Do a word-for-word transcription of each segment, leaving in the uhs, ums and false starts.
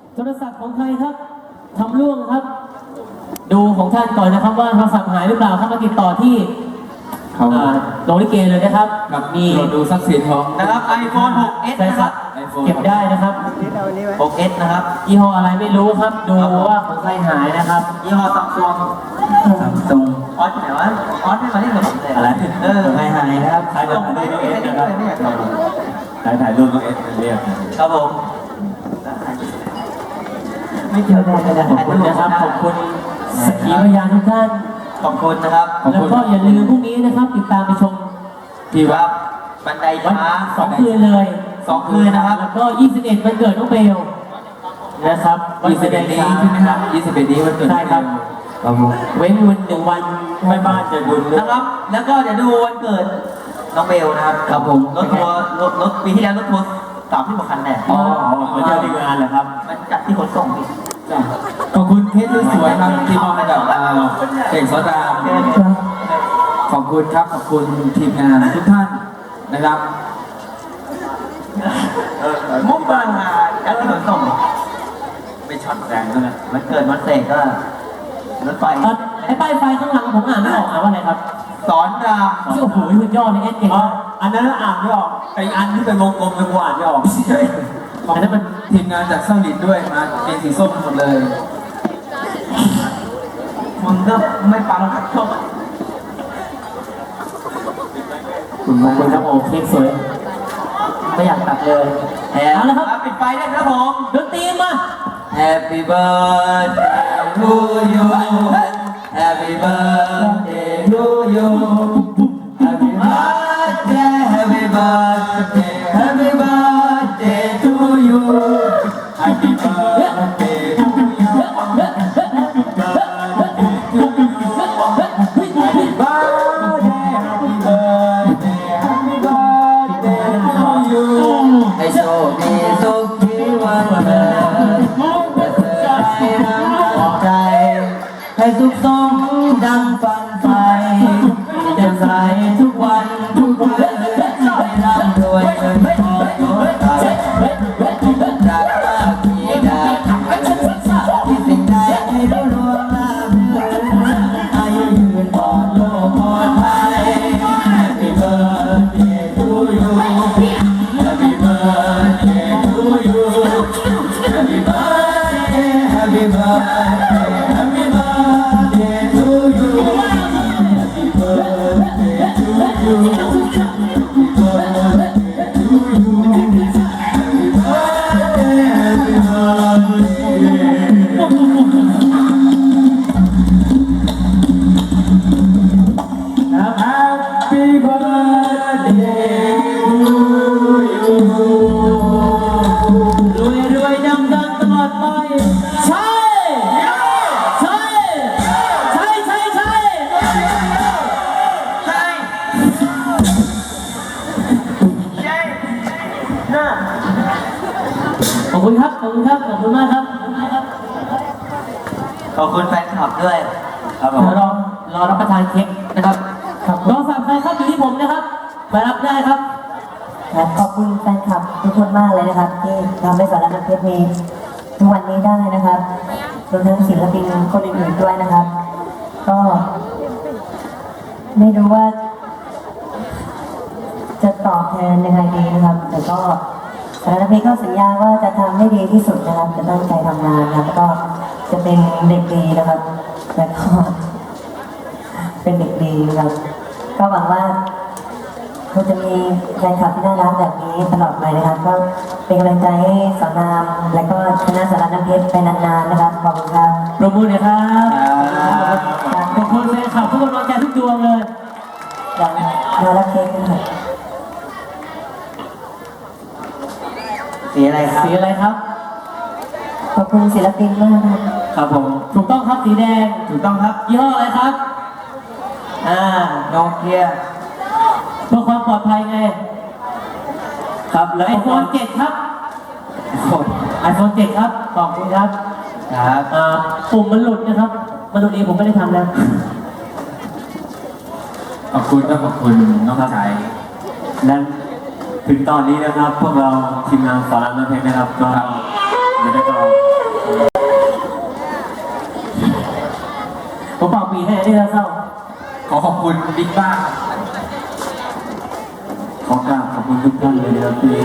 โทรศัพท์ของใครครับทำล่วงครับดูของท่านก่อนนะครับว่าโทรศัพท์หายหรือเปล่าครับมาติดต่อที่โรงลิเกเลยนะครับกับมีดูทรัพย์สินของนะครับ ไอโฟน หกเอส นะครับเก็บได้นะครับหกเอส นะครับยี่ห้ออะไรไม่รู้ครับดูว่าของใครหายนะครับยี่ห้อซัมซุงซัมซุงออสไหนวะออสไม่มาเล่นกับผมเลยอะไรเออใครหายนะครับใครจะถ่ายรูปเอสนะครับใครถ่ายรูปเอสเรียกครับผมไม่เกี่ยวกันนะขอบคุณนะครับขอบคุณสักขีพยานทุกท่านขอบคุณนะครับแล้วก็อย่าลืมพรุ่งนี้นะครับติดตามไปชมที่วัดบันไดช้างสองคืนเลยสองคืนนะครับแล้วก็ยี่สิบเอ็ดวันเกิดน้องเบลนะครับยี่สิบเอ็ดนี้ใช่ไหมครับยี่สิบเอ็ดนี้วันเกิดใช่ครับเว้นวันหนึ่งวันไม่บ้านจะดุลนะครับแล้วก็จะดูวันเกิดน้องเบลนะครับครับผมรถทัวร์รถรถปีที่แล้วรถทัวร์สามที่หกคันแน่อ๋อมาเจอที่งานเหรอครับมันจัดที่ขนส่งพี่ขอบคุณเคสสวยครับที่มอบให้กับเอกสตาขอบคุณครับขอบคุณทีมงานทุกท่านนะครับมุกบางมาจัดที่ขนส่งไม่ช็อตแรงด้วยนะมันเกิดมันเสกก็รถไฟไอ้ป้ายไฟข้างหลังผมอ่านไม่ออกอ่านว่าอะไรครับสอนรามโอ้โหสุดยอดเลยเอสเก่งอันนั้นอ่านไม่ออกไออันที่เป็นวงกลมเป็นวานไม่ออกอันนั้นมันทีมงานจากเซาลิดด้วยมาเป็นสีส้มหมดเลยมึงก็ไม่ฟังครับชอบคุณมากเลยครับโอ้เค้กสวยไม่อยากตัดเลยเอาละครับปิดไฟได้ครับผมดนตรีมา Happy birthday to you Happy birthday to you Happy birthday Happy birthday Happy birthday to you Happy birthday to you Happy birthday to you Happy birthday Happy birthday Happy birthday to you ให้โชคดีสุขที่วันเกิดแต่เธอให้รักใจให้สุขสมดังฝันใฝ่จะใส่ทุกวันทุกวันให้ร่ำรวยเงินทองยศไปรักมากมีดาที่สิ่งใดให้รู้รวมลาภเลื่อนอายุยืนปลอดโลกปลอดภัย Happy birthday to you Happy birthday to you Happy birthday Happy birthday Happy birthday to you Happy birthday to you Happy birthday to you Happy birthday Happy birthday ครับ Happy birthday to you รวยรวยดังดังตลอดไปใช่ใช่ใช่ใช่ใช่ใช่ใช่น่าขอบคุณครับขอบคุณครับขอบคุณมากครับขอบคุณแฟนคลับด้วยครับผมรอรอรับประทานเค้กนะครับรอสั่งใครครับอยู่ที่ผมนะครับมารับได้ครับขอบคุณแฟนคลับทุกคนมากเลยนะครับที่ทำให้สารนักเพชรมีทุกวันนี้ได้นะครับรวมทั้งศิลปินคนอื่นๆด้วยนะครับก็ไม่รู้ว่าจะตอบแทนยังไงดีนะครับแต่ก็สารนักเพชรก็สัญญาว่าจะทำให้ดีที่สุดนะครับจะตั้งใจทำงานนะครับแล้วก็จะเป็นเด็กดีนะครับแล้วก็เป็นเด็กดีนะครับก็หวังว่าเราจะมีแฟนคลับที่น่ารักแบบนี้ตลอดไปนะครับก็เป็นกำลังใจให้สอนรามและก็คณะสารนักเพชรไปนานๆนะครับขอบคุณครับปรบมือหน่อยครับขอบคุณแฟนคลับทุกกำลังใจทุกดวงเลยอย่างน่ารักเค้กนะครับสีอะไรครับสีอะไรครับขอบคุณศิลปินมากครับครับผมถูกต้องครับสีแดงถูกต้องครับยี่ห้ออะไรครับอ่าโนเกียเพื่อความปลอดภัยไงครับแล้วไอโฟนเจ็ดครับไอโฟนเจ็ดครับขอบคุณครับครับอ่าปุ่มมันหลุดนะครับมันตรงนี้ผมไม่ได้ทำแล้วขอบคุณก็ขอบคุณน้องชายนั้นถึงตอนนี้นะครับพวกเราทีมงานสารนักเพชรนะครับก็ไม่ได้ก็ผมเป่าปีให้ที่เศร้าขอขอบคุณบิ๊กบ้าขอกราบขอบคุณทุกท่านเลยนะครับที่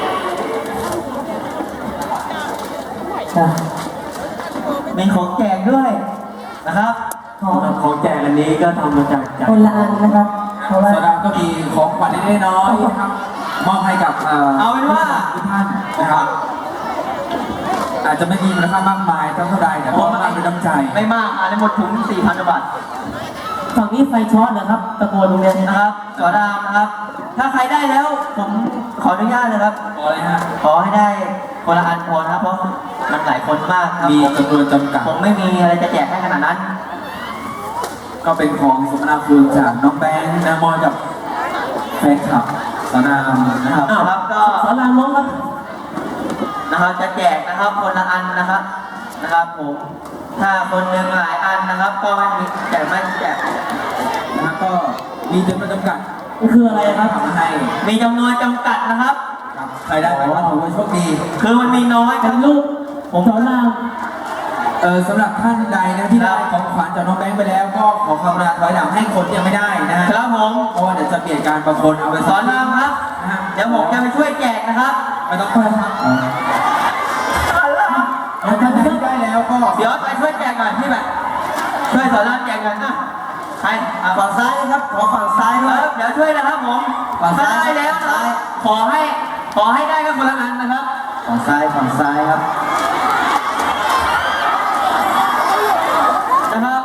จ้ะมีของแจกด้วยนะครับขอของแจกอันนี้ก็ทำมาจากใจคนละอันนะครับ เพราะว่าโซดาก็มีของขวัญเล็กๆน้อยๆนะครับมอบให้กับเอ่อเอาเป็นว่าทุกท่านนะครับ อาจจะไม่มีมูลค่ามากมายเท่าใดแต่ก็มากด้วยน้ำใจไม่มากอ่ะในหมดถุงสี่พันบาทฝั่งนี้ไฟช็อตเหรอครับ ตะโกนตรงเนี้ยนะครับสอดามนะครับ ถ้าใครได้แล้ว ผมขออนุญาตนะครับพอเลยฮะขอให้ได้คนละอันพอนะครับ เพราะมันหลายคนมากครับมีผมจำนวนจำกัดผมไม่มีอะไรจะแจกให้ขนาดนั้นก็เป็นของสมนาคุณจากน้องแบงค์นะมอยกับแฟนคลับสนามนะครับอ้าวครับก็สอนรามน้องครับนะครับจะแจกนะครับคนละอันนะครับนะครับผม ถ้าคนหนึ่งหลายอันนะครับ ก็ไม่มีแจกไม่แจกนะครับก็มีจำนวนจำกัดมันคืออะไรครับทำมาให้มีจำนวนจำกัดนะครับครับใครได้ไปก็ถือว่าโชคดีคือมันมีน้อยคเป็รับนรูปผมสอนรามเออสำหรับท่านใดนะที่ได้ของขวัญจากน้องแบงค์ไปแล้ว ก็ขอความกรุณาถอยหลังให้คนที่ยังไม่ได้นะฮะครับผมเพราะว่าเดี๋ยวจะเปลี่ยนการบางคนเอาไปสอนรามครับนะฮะเดี๋ยวผมจะไปช่วยแจกนะครับไม่ต้องไปครับแล้วท่านใดที่ได้แล้วก็เดี๋ยวไปช่วยแจกก่อนที่แบบช่วยสอนรามแจกก่อนนะใครอ่ะฝั่งซ้ายนะครับขอฝั่งซ้ายด้วยเดี๋ยวช่วยนะครับผมถ้าได้แล้วนะครับขอให้ขอให้ได้ก็คนละอันนะครับฝั่งซ้ายฝั่งซ้ายครับนะครับ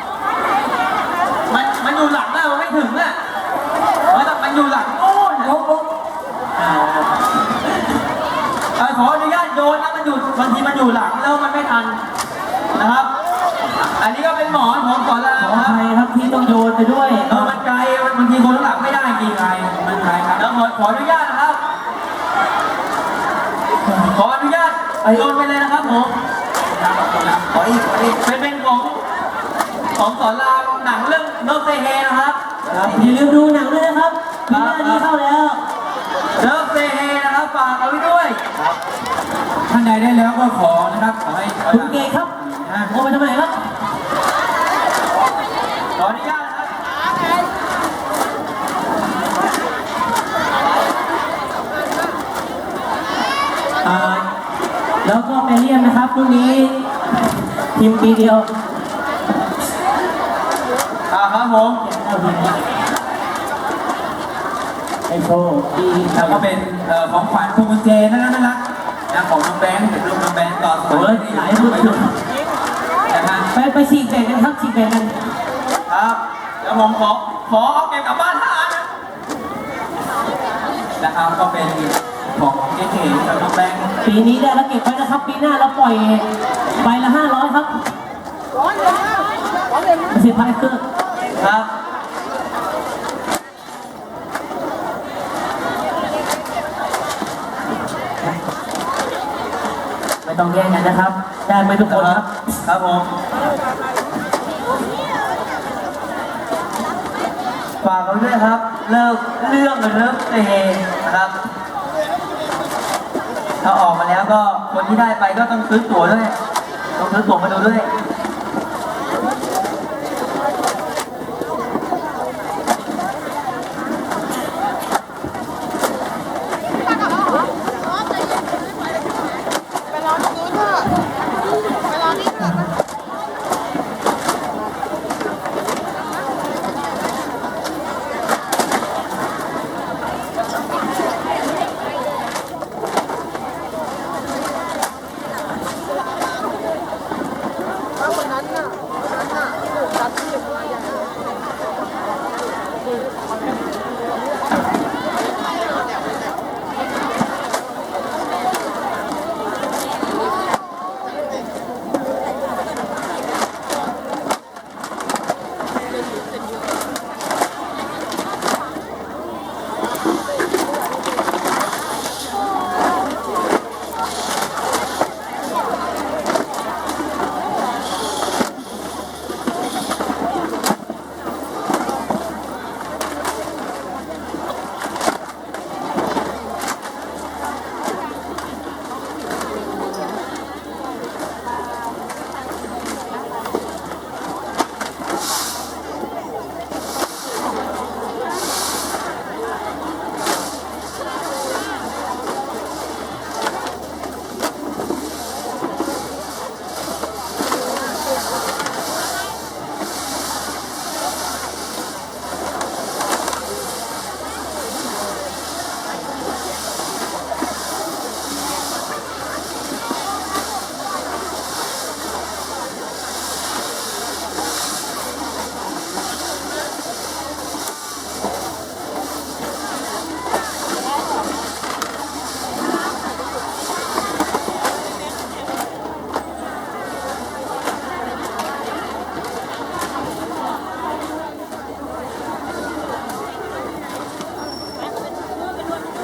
มันมันอยู่หลังอะมันไม่ถึงอะมันมันอยู่หลังโอ้ยลบลบอ่าเอ่อขออนุญาตโยนนะมันอยู่บางทีมันอยู่หลังแล้วมันไม่ทันนะครับ อันนี้ก็เป็นหมอนของสอนรามขอคอรับภัยครับที่ต้องโยนไปด้วยเออมันไกลบางทีคนข้างหลังไม่ได้จริงไงมันไกลครับแล้วขอขออนุญาตนะครับ ขออนุญาตโยนไปเลยนะครับผมขออีกขออีกเป็นเป็นของของสอนรามหนังเรื่องโนเซเฮนะครับอย่าลืมดูหนังด้วยนะครับปีหน้านี้เข้าแล้วเลิฟเซเฮนะครับฝากเอาไว้ด้วยท่านใดได้แล้วก็ขอนะครับขอให้ถอยคุหณลังเกศครับนะโอ้ไปทำไมครับขออนุญาตนะครับอ่าแล้วก็ไปเรียนนะครับพรุ่งนี้ทีมปีเดียวอ่าครับผมเอาทีมไอโชว์ปีแล้วก็เป็นเอ่อของขวัญพวงกุญแจน่ารักน่ารักนะของน้องแบงค์เป็นรูปน้องแบงค์ต่อสโอ้มัยยหลายรุ่นอยู่นะฮะไปไปฉีกแบ่งกันครับฉีกแบ่งกันครับเดี๋ยวผมขอขอเอาเก็บกลับบ้านห้าอันนะนะครับก็เป็นของเก๋ๆจากน้องแบงค์ปีนี้ได้แล้วเก็บไว้นะครับ ปีหน้าเราปล่อยใบละห้าร้อยครับไม่ใช่พันเครื่องครับไม่ต้องแย่งกันนะครับ ได้ไหมทุกคนครับครับผมฝากเอาด้วยครับ เลิกเรื่องเลิกเซเฮนะครับ ถ้าออกมาแล้วก็คนที่ได้ไปก็ต้องซื้อตั๋วด้วย ต้องซื้อตั๋วมาดูด้วย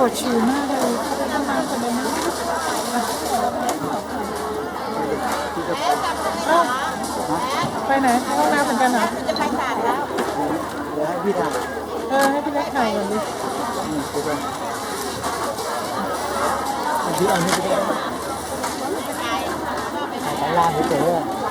ดฉี่มากเลยไปทำงานคนเดียวนะอ้าวไปไหนไปห้องน้ำเหมือนกันเหรอจะไปศาลแล้วเดี๋ยวให้พี่ถ่ายเออให้พี่เล็กถ่ายก่อนดิพี่เอาให้พี่เล็กถ่ายไปลาเฉยๆ